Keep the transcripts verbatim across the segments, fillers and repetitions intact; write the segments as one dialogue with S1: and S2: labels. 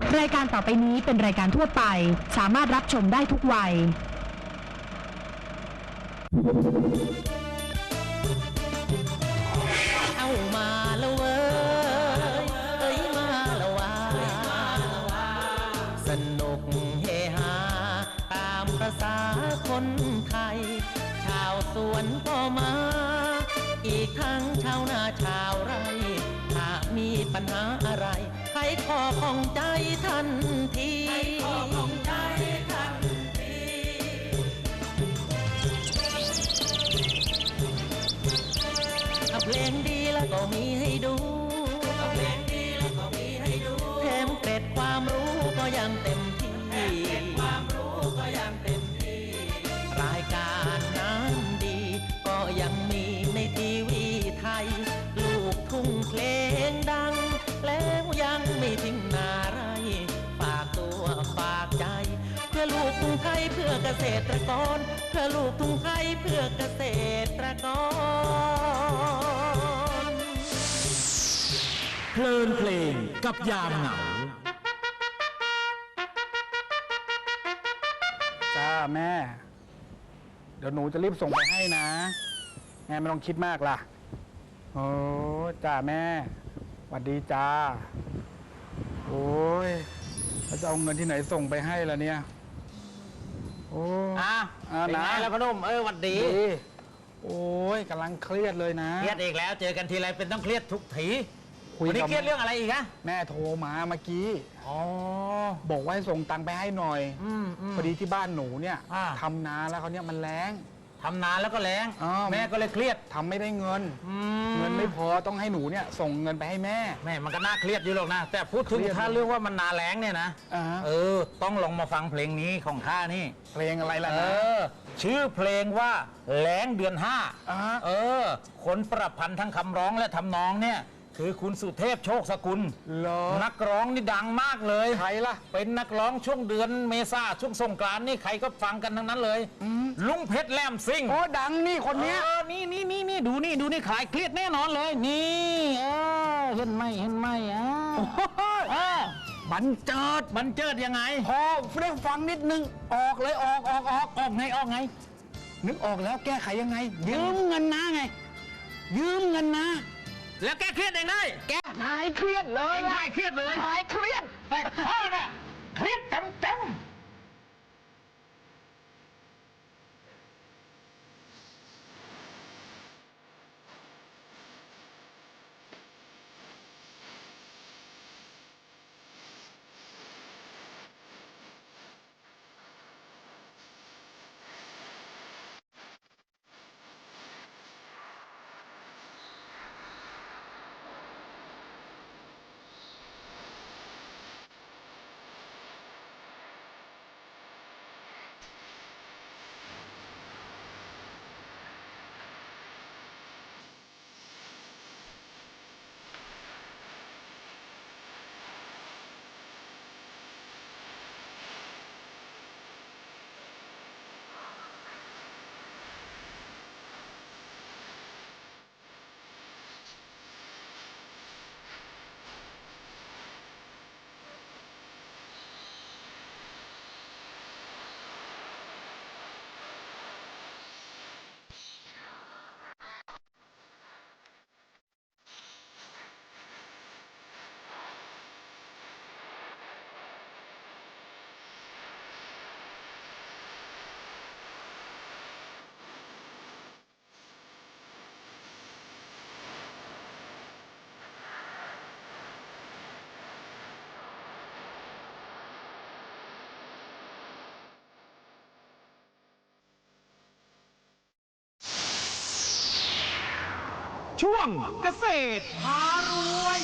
S1: รายการต่อไปนี้เป็นรายการทั่วไปสามารถรับชมได้ทุกวัย
S2: เข้ามาแล้วเว้ยเอ้ยมาแล้วว่าสนุกเฮฮาตามประสาคนไทยชาวสวนก็มาอีกทั้งชาวนาชาวไร่ถ้ามีปัญหาอะไรใครขอของใจทันทีถ้าเพลงดีแล้วก็มีให้ดูถ้าเพลงดีแล้วก็มีให้ดูแถมเกร็ดความรู้ก็ยังเต็มที่แถมเกร็ดความรู้ก็ยังเต็มที่รายการน้ำดีก็ยังมีในทีวีไทยลูกทุ่งเพลงดังแล้วยังไม่ทิ้งนาไรฝากตัวฝากใจเพื่อลูกทุ่งไทยเพื่อเกษตรกรเพื่อลูกทุ่งไทยเพื่อเกษตรกร
S3: เพลินเพลงกับยามเหงา
S4: จ้าแม่เดี๋ยวหนูจะรีบส่งไปให้นะแม่ไม่ต้องคิดมากล่ะโอ้จ้าแม่สวัสดีจ้าโอ้ยแล้วจะเอาเงินที่ไหนส่งไปให้ล่ะเนี่ยโอ้
S2: อ่ะเป็นไงแล้วพนุ่มเออหวัดดี
S4: โอ้ยกำลังเครียดเลยนะ
S2: เครียดอีกแล้วเจอกันทีไรเป็นต้องเครียดทุกทีวันนี้เครียดเรื่องอะไรอีกฮะ
S4: แม่โทรมาเมื่อกี้
S2: อ๋อ
S4: บอกว่าให้ส่งตังค์ไปให้หน่อยพอดีที่บ้านหนูเนี่ยทำนาแล้วเขาเนี่ยมันแล้ง
S2: ทำนาแล้วก็แล้งแม่ก็เลยเครียด
S4: ทำไม่ได้เงินเงินไม่พอต้องให้หนูเนี่ยส่งเงินไปให้แม่
S2: แม่มันก็น่าเครียดอยู่หรอกนะแต่พูดถึงถ้าเรื่องว่ามันนาแล้งเนี่ยนะเออต้องลองมาฟังเพลงนี้ของข้านี่
S4: เพลงอะไรล่ะ
S2: นะชื่อเพลงว่าแล้งเดือนห้าเออคนประพันธ์ทั้งคำร้องและทำนองเนี่ยคือคุณสุเทพโชคสกุลนักร้องนี่ดังมากเลย
S4: ใครล่ะ
S2: เป็นนักร้องช่วงเดือนเมษาช่วงสงกรานต์นี่ใครก็ฟังกันทั้งนั้นเลยลุงเพชรแลมซิ่ง
S4: โอ้ดังนี่คนนี้
S2: นี่นี่นี่นี่ดูนี่ดูนี่ขายเครียดแน่นอนเลยนี่เออเห็นไหมเห็นไหมอ่าบันเจิดบันเจิดยังไง
S4: พอได้ฟังนิดนึงออกเลยออกออกออก
S2: ออกไงออกไง
S4: นึกออกแล้วแก้ไขยังไงยืมเงินนะไงยืมเงินนะ
S2: แล้วแก้เครียดเองได้
S4: แก้หายเครียดเลย
S2: หายเครียดเลย
S4: หายเครียด
S2: แต่พ่อน่ะเครียดเต็มเต็ม
S3: ช่วงเกษตรพารวย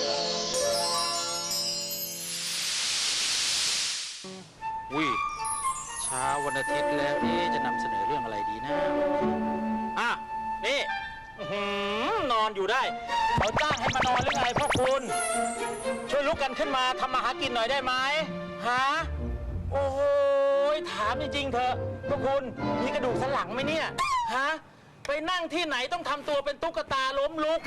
S2: วิเช้าวันอาทิตย์แล้วนี่จะนำเสนอเรื่องอะไรดีนะอ่ะนี่นอนอยู่ได้เขาจ้างให้มานอนหรือไงพ่อคุณช่วยลุกกันขึ้นมาทำมาหากินหน่อยได้ไหมฮะโอ้โหถามจริงๆเถอะพ่อคุณมีกระดูกสันหลังไหมเนี่ยฮะไปนั่งที่ไหนต้องทำตัวเป็นตุ๊กตาล้มลุก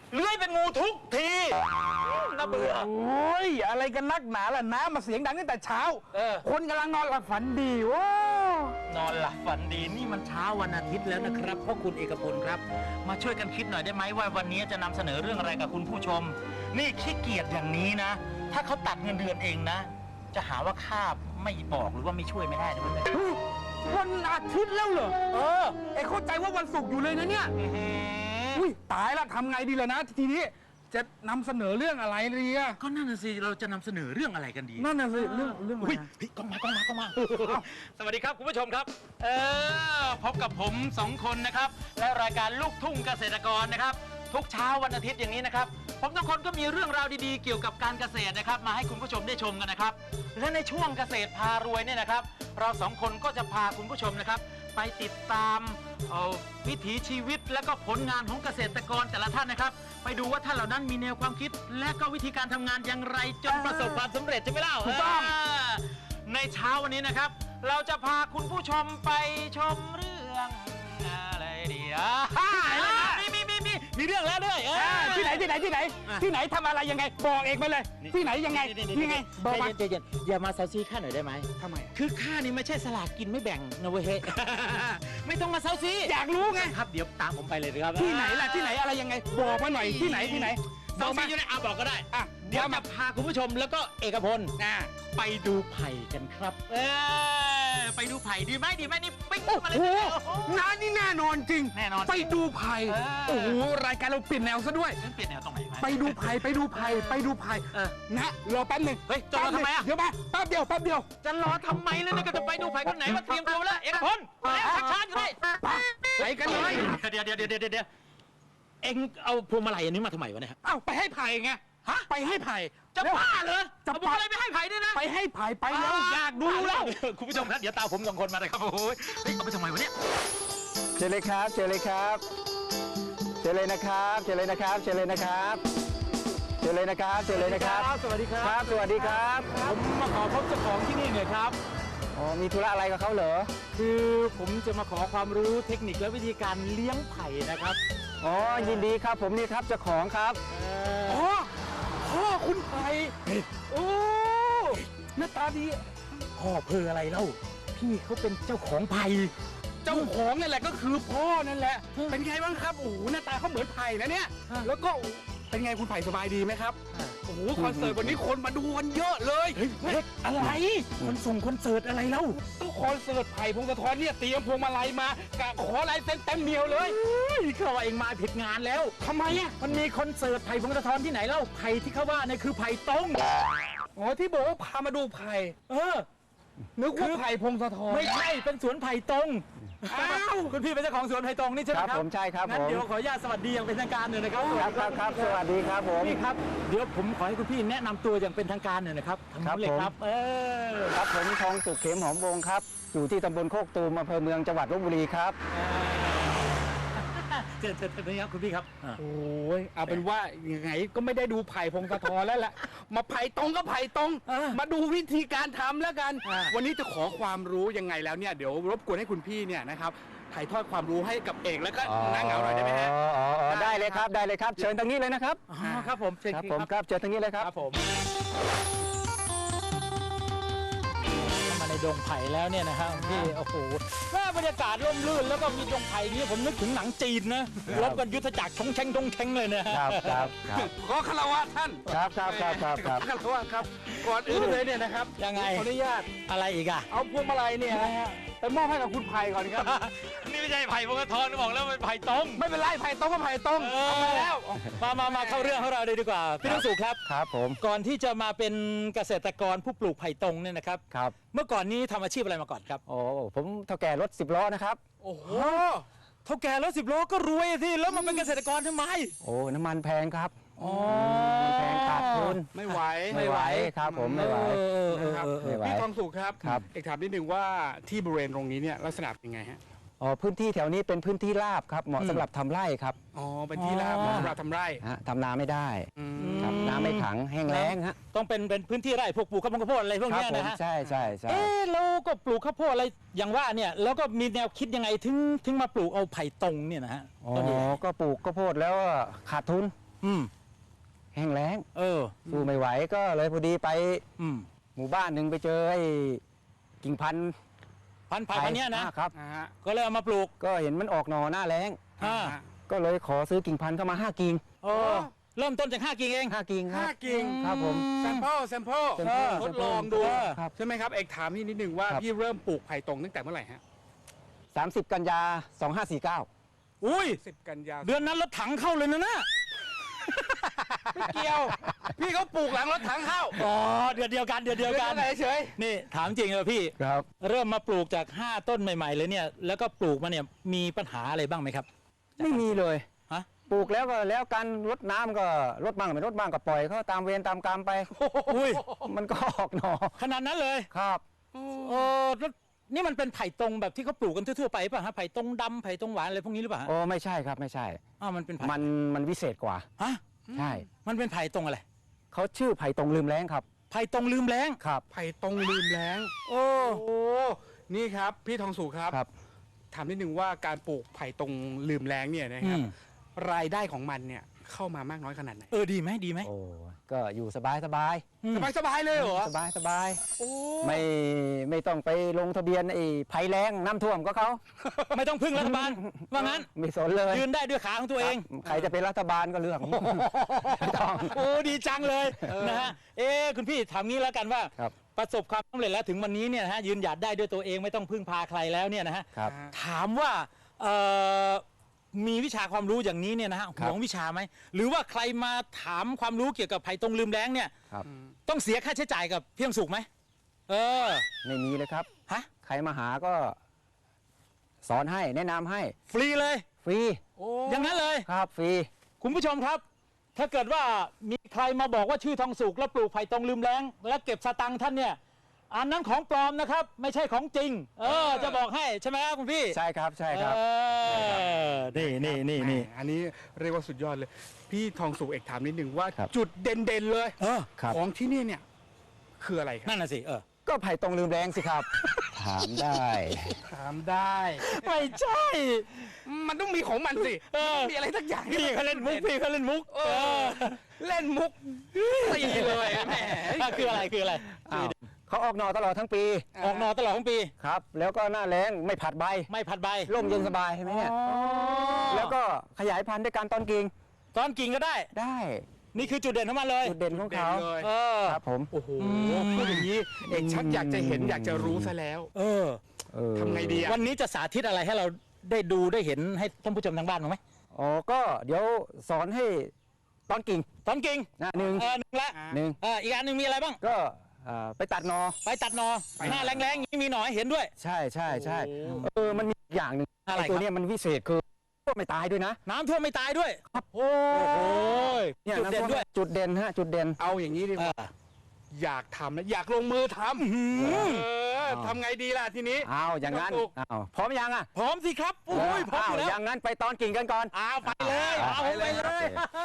S5: เลื้อยเป็นงูทุกทีน่าเบื่อ
S4: โอ้ยอะไรกันนักหนาล่ะนะมาเสียงดังตั้งแต่เช้า
S5: เออ
S4: คนกำลังนอนหลับฝันดีโอ้
S5: นอนหลับฝันดีนี่มันเช้าวันอาทิตย์แล้วนะครับพ่อคุณเอกพลครับ มาช่วยกันคิดหน่อยได้ไหมว่าวันนี้จะนำเสนอเรื่องอะไรกับคุณผู้ชม นี่ขี้เกียจอย่างนี้นะ ถ้าเขาตัดเงินเดือนเองนะ จะหาว่าข้าไม่บอกหรือว่าไม่ช่วยไม่ได้นะเพื่อน
S4: เฮ้ยวันอาทิตย์แล้วเหรอ
S5: เออ
S4: ไอ้เข้าใจว่าวันศุกร์อยู่เลยนะเนี่ย
S5: อื้อหือ
S4: อุ้ยตายละทำไงดีล่ะนะทีนี้จะนำเสนอเรื่องอะไรดีอะ
S5: ก็นั่นน่ะสิเราจะนำเสนอเรื่องอะไรกันดี
S4: นั่นน่ะสิเรื่องเรื่องอะไร
S5: อุ้ย
S4: นะ
S5: เฮ้ยกล้องมากล้องมากล้องมา สวัสดีครับคุณผู้ชมครับ เออพบกับผมสองคนนะครับ และรายการลูกทุ่งเกษตรกรนะครับ ทุกเช้าวันอาทิตย์อย่างนี้นะครับ ผมทุกคนก็มีเรื่องราวดีๆ เกี่ยวกับการเกษตรนะครับ มาให้คุณผู้ชมได้ชมกันนะครับ และในช่วงเกษตรพารวยเนี่ยนะครับ เราสองคนก็จะพาคุณผู้ชมนะครับ ไปติดตามเอ่อวิถีชีวิตและก็ผลงานของเกษตรกรแต่ละท่านนะครับ ไปดูว่าท่านเหล่านั้นมีแนวความคิด และก็วิธีการทำงานอย่างไรจนประสบความสำเร็จใช่ไหมเล่า
S4: ถูกต้อง
S5: าในเช้าวันนี้นะครับ เราจะพาคุณผู้ชมไปชมเรื่องอะไรดีอ่ะมีมีมีมีมีเรื่องแล้วด้วยเออ
S4: อ่าที่ไหนที่ไหนที่ไหน
S5: อ่ะ
S4: ที่ไหนทำอะไรยังไงบอกเอกมาเลย ที่ไหนยังไงยังไงบอกมา
S5: ใจเย็นๆอย่ามาเซาซีข้าหน่อยได้ไหม
S4: ทำไม
S5: คือข้านี่ไม่ใช่สลากกินไม่แบ่งนะเว้ยเฮ้ย ไม่ต้องมาเซาซี
S4: อยากรู้ไง
S5: ครับเดี๋ยวตามผมไปเลยนะครับ
S4: ที่ไหนล่ะที่ไหนอะไรยังไงบอกมาหน่อยที่ไหนที่ไหนบ
S5: เซา
S4: อก
S5: ซี
S4: มา
S5: อยู่ในอาบอกก็ได้
S4: อ่ะ
S5: เดี๋ยวจะพาคุณผู้ชมแล้วก็เอกพล
S4: อ่า
S5: ไปดูไผ่กันครับ เออไปดูไผ่ดีไหมดีไหมนี่ปิ้ง
S4: โอ้
S5: มาเลย
S4: โห
S5: โอ้โห
S4: น้านี่แน่นอนจริง
S5: แน่นอน
S4: ไปดูไผ่
S5: เออ
S4: โอ้โหรายการเราเปลี่ยนแนวซะด้วย
S5: ฉันเปลี่ยนแนวตรงไหนไหม
S4: ไปดูไผ่ไปดูไผ่ไปดูไผ่
S5: เออ
S4: นะรอแป๊บหนึ่ง
S5: เฮ้ยจะรอทำไมอะ
S4: เดี๋ยวมาแป๊บเดียวแป๊บเดียว
S5: จะรอทำไมเลยนะก็จะไปดูไผ่คนไหนมาเตรียมตัวแล้วเอกพลมาแล้วชักช้าอยู่เลย
S4: ไปกันเลย
S5: เดี๋ยวเดี๋ยวเดี๋ยวเดี๋ยวเดี๋ยวเอ็งเอาพวงมาลัยอันนี้มาทำไมวะเนี่ย
S4: เอ้าไปให้ไผ่ไง
S5: ฮะ
S4: ไปให้ไผ่
S5: จะ
S4: แล้ว
S5: บ้าเหรอ
S4: จะ
S5: เอาพวงมาลัยไปให้ไผ่ด้วยนะ
S4: ไปให้ไผ่ไปแล้วอยากดูแล้ว
S5: คุณผู้ชมครับเดี๋ยวตามผมสองคนมาเลยครับโอ้ยเฮ้ยเอาไปทำไมวะเนี่ย
S6: เชิญเลยครับเชิญเลยครับเชิญเลยนะครับเชิญเลยนะครับเชิญเลยนะครับเชิญเลยนะครับเชิญเลยนะครับ
S5: สวัสดีครับ
S6: ครับสวัสดีครับ
S5: ผมมาขอพบเจ้าของที่นี่หน่อยครับ
S6: อ๋อมีธุระอะไรกับเขาเหรอ
S5: คือผมจะมาขอความรู้เทคนิคและวิธีการเลี้ยงไผ่นะครับ
S6: อ๋อยินดีครับผมนี่ครับเจ้าของครับ
S4: พ่อพ่อคุณไผ่โอ้หน้าตาดี
S5: พ่อเพออะไรเล่า พี่เขาเป็นเจ้าของไผ่
S4: เจ้าของนั่นแหละก็คือพ่อนั่นแหละ เป็นไงบ้างครับ โอ้โหหน้าตาเขาเหมือนไผ่นะเนี่ย แล้วก็เป็นไงคุณไผ่สบายดีไหมครับ โอ้โหคอนเสิร์ตวันนี้คนมาดูกันเยอะเลย
S5: เฮ้ยอะไรคนส่งคอนเสิร์ตอะไรเล่า
S4: ต้องคอนเสิร์ตไผ่พงศธรเนี่ยเตรียมพวงมาลัยมากะขอลายเซ็นเต็มเดียวเลย
S5: เขาว่าเองมาผิดงานแล้ว
S4: ทำไมอ่ะ
S5: มันมีคอนเสิร์ตไผ่พงศธรที่ไหนเล่า ไผ่ที่เขาว่าเนี่ยคือไผ่ตรง
S4: อ๋อที่บอกว่าพามาดูไผ่
S5: เออ
S4: นึกว่าไผ่พงศธร
S5: ไม่ใช่ เป็นสวนไผ่ตรง
S4: อ้าว
S5: คุณพี่เป็นเจ้าของสวนไผ่ตรงนี่ใช่ไหม
S6: ครับ
S5: ครับ
S6: ผมใช่ครับ
S5: งั้น
S6: ผม
S5: เดี๋ยวขออนุญาตสวัสดีอย่างเป็นทางการหน่อยนะครับ
S6: ครับครับครับสวัสดีครับผม
S5: พี่ครับ เดี๋ยวผมขอให้คุณพี่แนะนำตัวอย่างเป็นทางการหน่อยนะครับทางนู้นเลยครับ เออ
S6: ครับผมทองสุขเข็มหอมวงครับอยู่ที่ตำบลโคกตูมอำเภอเมืองจังหวัดลบบุรีครับ
S5: เจอเจอเจอนี่ครับคุณพี่ครับ
S4: โอ้ยเอาเป็นว่ายังไงก็ไม่ได้ดูไผ่พงศธรแล้วแหละ มาไผ่ตรงก็ไผ่ตรง
S5: อ่า
S4: มาดูวิธีการทำแล้วกัน
S5: อ่า
S4: วันนี้จะขอความรู้ยังไงแล้วเนี่ยเดี๋ยวรบกวนให้คุณพี่เนี่ยนะครับถ่ายทอดความรู้ให้กับเอกแล้วก็นั่งเหงาหน่อยได้ไหมฮะ
S6: อ๋ออ๋ออ๋อได้เลยครับได้เลยครับ เชิญทางนี้เลยนะครับ
S5: อ๋อครับผมเชิญ
S6: ครับ
S5: พี่
S6: ผมครับเชิญทางนี้เลยครับ
S5: ครับผมเข้ามาในดงไผ่แล้วเนี่ยนะฮะพี่โอ้โหแม่บรรยากาศร่มรื่นแล้วก็มีดงไผ่นี้ผมนึกถึงหนังจีนนะรบกันยุทธจักรชงเชงชงเชงเลยนะฮะ
S6: ครับครับครับ
S4: ขอคารวะท่าน
S6: ครับครับครับครับครับ
S4: ขอคารวะครับก่อนอื่นเลยเนี่ยนะครับ
S5: ยังไง
S4: ขออนุญาต
S5: อะไรอีกอะ
S4: เอาพวงมาลัยเนี่ยนะฮะไปมอบให้กับคุณไผ่ก่อนครับ
S5: นี่ไม่ใช่ไผ่พงศธรบอกแล้วเป็นไผ่ตรง
S4: ไม่เป็นไรไผ่ตรงก็ไผ่ตรงเอามาแล้ว
S5: มามามาเข้าเรื่องของเราเลยดีกว่า พี่ต้องสุขครับ
S6: ครับผม
S5: ก่อนที่จะมาเป็นเกษตรกรผู้ปลูกไผ่ตรงเนี่ยนะครับ
S6: ครับ
S5: เมื่อก่อนนี้ทำอาชีพอะไรมาก่อนครับ
S6: โอ้ผมเท่าแก่รถสิบล้อนะครับ
S5: โอ้โหเท่าแก่รถสิบล้อก็รวยสิแล้วมาเป็นเกษตรกรทำไม
S6: โอ้น้ำมันแพงครับ
S5: อ๋อ
S6: มันแพงขาดทุน
S4: ไม่ไหว
S6: ไม่ไหวครับผมไม่ไหว
S5: เออเออ
S4: นะครับ
S5: เออเอ
S6: ไม่
S5: อ
S6: ไหว
S4: พี่ทองสุขครับ
S6: ครับ
S4: เอกถามนิดนึงว่าที่บริเวณตรงนี้เนี่ยลักษณะเป็นไงฮะ
S6: อ๋อพื้นที่แถวนี้เป็นพื้นที่ราบครับเหมาะสำหรับทำไร่ครับ
S4: อ๋อเป็นที่ราบ
S5: อ๋อ
S4: สำหรับทำไร่
S6: ฮะทำนาไม่ได้
S4: อืม
S6: ครับน้ำไม่ขังแห้งแล้งฮะ
S5: ต้องเป็นเป็นพื้นที่ไร่พวกปลูกข้าวโพดข้าวโพดอะไรพวก
S6: ครับ
S5: เนี้ย
S6: ผม
S5: นะฮะ
S6: ใช่ใช่ใช่
S5: เอ๊ะเราก็ปลูกข้าวโพดอะไรอย่างว่าเนี่ยแล้วก็มีแนวคิดยังไงถึงถึงมาปลูกเอาไผ่ตรงเนี่ยนะฮะ
S6: อ๋อ
S5: ต้นนี้
S6: ก็ปลูกข้าวโพดแล้วขาดทุน
S5: อืม
S6: แห้งแล้ง
S5: เออ
S6: สู้ไม่ไหวก็เลยพอดีไป
S5: อืม
S6: หมู่บ้านหนึ่งไปเจอไอ้กิ่งพันธุ์
S5: พันธุ์ไผ่พันธุ์เนี้ยนะ
S6: อ่าครับ
S4: นะฮะ
S5: ก็เลยเอามาปลูก
S6: ก็เห็นมันออกหน่อหน้าแล้ง
S5: อ่า
S6: ก็เลยขอซื้อกิ่งพันธุ์เข้ามาห้ากิ่ง
S5: โอ้เริ่มต้นจากห้ากิ่งเอง
S6: ห้ากิ่งครั
S4: ห้า
S6: บ
S4: กิ่ง
S6: ครับผม
S4: แซมเปิลแซมเปิล
S6: sample
S4: ทดลองดู
S6: ครับ
S4: ใช่ไหมครับ เอกถามพี่นิดนึงว่า
S6: ครับ
S4: พี่เริ่มปลูกไผ่ตรงตั้งแต่เมื่อไหร่ฮะ
S6: สามสิบกันยาสองห้าสี่เก้า
S5: อุ้ย
S4: สิบกันยา
S5: เดือนนั้นรถถังเข้าเลยนะน่ะ
S4: ไม่เกี่ยว พี่เขาปลูกหลังรถถังเข้า
S5: อ๋อเดือนเดียวกันเดือนเดียวกัน
S4: เฉยเฉย
S5: นี่ถามจริงเลยพี่
S6: ครับ
S5: เริ่มมาปลูกจากห้าต้นใหม่ ๆ เลยเนี่ย แล้วก็ปลูกมาเนี่ยมีปัญหาอะไรบ้างไหมครับ
S6: ไม่มีเลย
S5: ฮะ
S6: ปลูกแล้วก็แล้วกันรดน้ำก็รดบ้างไม่รดบ้างก็ปล่อยเขาตามเวรตามกรรมไป
S5: อุ้ย
S6: มันก็ออกหน่อ
S5: ขนาดนั้นเลย
S6: ครับ
S5: เออแล้วนี่มันเป็นไผ่ตรงแบบที่เขาปลูกกันทั่วๆไปป่ะฮะไผ่ตรงดำไผ่ตรงหวานอะไรพวกนี้หรือเปล่าฮะ
S6: โอ้ไม่ใช่ครับไม่ใช่
S5: อ้าวมันเป็นไผ่
S6: มันมันวิเศษกว่า
S5: ฮะ
S6: ใช่
S5: มันเป็นไผ่ตรงอะไร
S6: เขาชื่อไผ่ตรงลืมแล้งครับ
S5: ไผ่ตรงลืมแรง
S6: ครับ
S4: ไผ่ตรงลืมแล้ง
S5: โอ้
S4: โอ้ นี่ครับ พี่ทองสุครับ
S6: ครับ
S4: ถามนิดนึงว่าการปลูกไผ่ตรงลืมแล้งเนี่ยนะ
S5: อื
S4: ครับ
S5: ม
S4: รายได้ของมันเนี่ยเข้ามามากน้อยขนาดไหน
S5: เออดีไหมดีไหม
S6: โอ้ก็อยู่สบายสบาย
S5: อืม
S4: สบายสบายเลยเหรอ
S6: สบายสบาย
S4: โอ้
S6: ไม่ไม่ต้องไปลงทะเบียนไอ้ภัยแรงน้ำท่วมก็เขา
S5: ไม่ต้องพึ่งรัฐบาลว่างั้น
S6: ไม่สนเลย
S5: ยืนได้ด้วยขาของตัวเอง
S6: ครับใครจะเป็นรัฐบาลก็เรื่อง ไม่ต้อง
S5: โอ้ดีจังเลยนะฮะเอ๊ะคุณพี่ถามงี้แล้วกันว่า
S6: ครับ
S5: ประสบความสำเร็จแล้วถึงวันนี้เนี่ยนะฮะยืนหยัดได้ด้วยตัวเองไม่ต้องพึ่งพาใครแล้วเนี่ยนะฮะ
S6: ครับ
S5: ถามว่าเอ่อมีวิชาความรู้อย่างนี้เนี่ยนะฮะ
S6: ครั
S5: ห
S6: บ
S5: วงวิชาไหมหรือว่าใครมาถามความรู้เกี่ยวกับไผ่ตรงลืมแล้งเนี่ย
S6: ครับ
S5: ต้องเสียค่าใช้จ่ายกับเพียงสุขไหมเออ
S6: ไม่มีเลยครับ
S5: ฮะ
S6: ใครมาหาก็สอนให้แนะนำให้
S5: ฟรีเลย
S6: ฟรี
S4: โอ้
S5: อย่างนั้นเลย
S6: ครับฟรี
S5: คุณผู้ชมครับ ถ้าเกิดว่ามีใครมาบอกว่าชื่อทองสุกแล้วปลูกไผ่ตรงลืมแล้งแล้วเก็บสตังค์ท่านเนี่ยอันนั้นของปลอมนะครับ ไม่ใช่ของจริง เออ จะบอกให้ใช่ไหมครับคุณพี่
S6: ใช่ครับใช่ครับ
S5: เออนี่นี่นี่นี่
S4: แหมอันนี้เรียกว่าสุดยอดเลย พี่ทองสุเอกถามนิดนึงว่า
S6: ครับ
S4: จุดเด่นๆเลย
S5: เออ
S6: ครับ
S4: ของที่นี่เนี่ยคืออะไรครับ
S5: นั่นน่ะสิเออ
S6: ก็ไผ่ตรงลืมแรงสิครับ ถามได้
S4: ถามได้
S5: ไม่ใช่
S4: มันต้องมีของมันสิ
S5: เออ
S4: มีอะไรสักอย่าง
S5: พี่เขาเล่นมุกพี่เขาเล่นมุก
S4: เออเล่นมุกตีเลยแหม
S5: อ่ะคืออะไรคืออะไร
S6: อ้าวเขาออกหน่อตลอดทั้งปี
S5: ออกหนอตลอดทั้งปี
S6: ครับ แล้วก็หน้าแรงไม่ผัดใบ
S5: ไม่ผัดใบ
S6: ร่มเย็นสบายใช่ไหมเนี่ย แล้วก็ขยายพันธุ์ด้วยการตอนกิ่ง
S5: ตอนกิ่งก็ได้
S6: ได้
S5: นี่คือจุดเด่นของมันเลย
S6: จุดเด่นของเขา
S4: เลย
S5: เออ
S6: ครับผม
S4: โอ้โหพูดอย่างนี้เอกชักอยากจะเห็นอยากจะรู้ซะแล้ว
S5: เออ
S6: เออ
S4: ทำไงดีอะ
S5: วันนี้จะสาธิตอะไรให้เราได้ดูได้เห็นให้ท่านผู้ชมทางบ้านบ้างไหม
S6: อ๋อก็เดี๋ยวสอนให้ตอนกิ่ง
S5: ตอนกิ่ง
S6: นะหนึ่ง
S5: เออหนึ่งละ
S6: หนึ่ง
S5: เอออีกอันหนึ่งมีอะไรบ้าง
S6: ก็เอ่อไปตัดหนอ
S5: ไปตัดหนอหน้าแรงๆอย่างนี้มีหนอให้เห็นด้วย
S6: ใช่ใช่ใช่
S5: โอ้
S6: เออมันมีอีกอย่างหนึ่ง
S5: อะไร
S6: ไอ้ตัว
S5: ครับ
S6: เนี้ยมันวิเศษคือก็ไม่ตายด้วยนะ
S5: น้ำท่วมไม่ตายด้วย
S6: ครับ
S5: โอ้โห
S6: เนี่ย
S5: จุดเด่นด้วย
S6: จุดเด่นฮะจุดเด่น
S4: เอาอย่างนี้ดีก
S5: เอ
S4: ว่า
S5: อ
S4: อยากทำนะอยากลงมือทำเออทำไงดีล่ะทีนี้
S6: อ้าวอย่างนั้น
S4: ถูก
S6: อ้าวพร้อมยังอ่ะ
S5: พร้อมสิครับโอ้ยพร้อม
S6: อ้า
S5: อ
S6: ว
S5: ยู่แล้ว
S6: อย่างนั้นไปตอนกิ่งกันก่อน
S5: อ้าวไปเลย
S6: อ่า
S5: เอา
S6: ไป
S5: ไป
S6: เลย
S5: เลย
S6: ครับ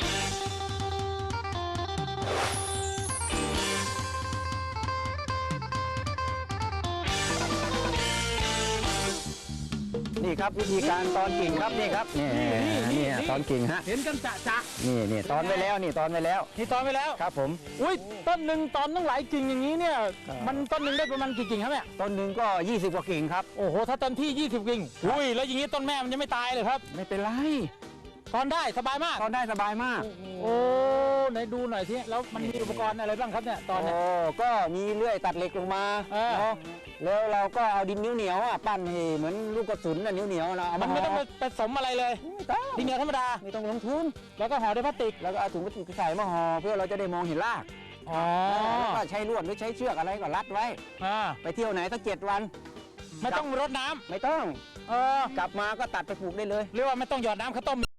S6: นี่ครับวิธีการตอนกิ่งครับนี่ครับนี่นี่ตอนกิ่งฮะ
S5: เห็นกันจะจะ
S6: นี่นี่ตอนไว้แล้วนี่ตอนไว้แล้ว
S5: นี่ตอนไปแล้ว
S6: ครับผม
S5: อุ้ยต้นหนึ่งตอนตั้งหลายกิ่งอย่างนี้เนี่ย มันต้นหนึ่งได้ประมาณกี่กิ่งครับเนี่ย
S6: ต้นหนึ่งก็ยี่สิบกว่ากิ่งครับ
S5: โอ้โหถ้าเต็มที่ยี่สิบกิ่งอุ้ยแล้วอย่างนี้ต้นแม่มันจะไม่ตายเลยครับ
S6: ไม่เป็นไร
S5: ตอนได้สบายมาก
S6: ตอนได้สบายมาก
S5: โอ้ไหนดูหน่อยสิแล้วมันมีอุปกรณ์อะไรบ้างครับเนี่ยตอนเนี้ย
S6: โอ้ก็มีเลื่อยตัดเหล็กลงมา
S5: เออ
S6: เนาะแล้วเราก็เอาดินนิ้วเหนียวอ่ะปั้นให้เหมือนลูกกระสุนน่ะนิ้วเหนียวนะเอา
S5: มั
S6: มาน
S5: ไม่
S6: ห่
S5: ต้อง
S6: อ
S5: ไปผสมอะไรเลย
S6: ไม่ต้อง
S5: ดินเหนียวธรรมดา
S6: ไม่ต้องลงทุน
S5: แล้วก็ห่อด้วยพลาสติก
S6: แล้วก็เอาถุงพลาสติกใส่มาห่อเพื่อเราจะได้มองเห็นราก
S5: อ๋อ
S6: แล้วก็ใช้ลวดหรือใช้เชือกอะไรก็รัดไว้
S5: อ่า
S6: ไปเที่ยวไหนสักเจ็ดวัน
S5: ไม่ต้องรดน้ำ
S6: ไม่ต้อง
S5: เออก
S6: ลับมาก็ตัดไปปลูกได้เลย
S5: เรียกว่าไม่ต้องหยอดน้ำข้าวต้ม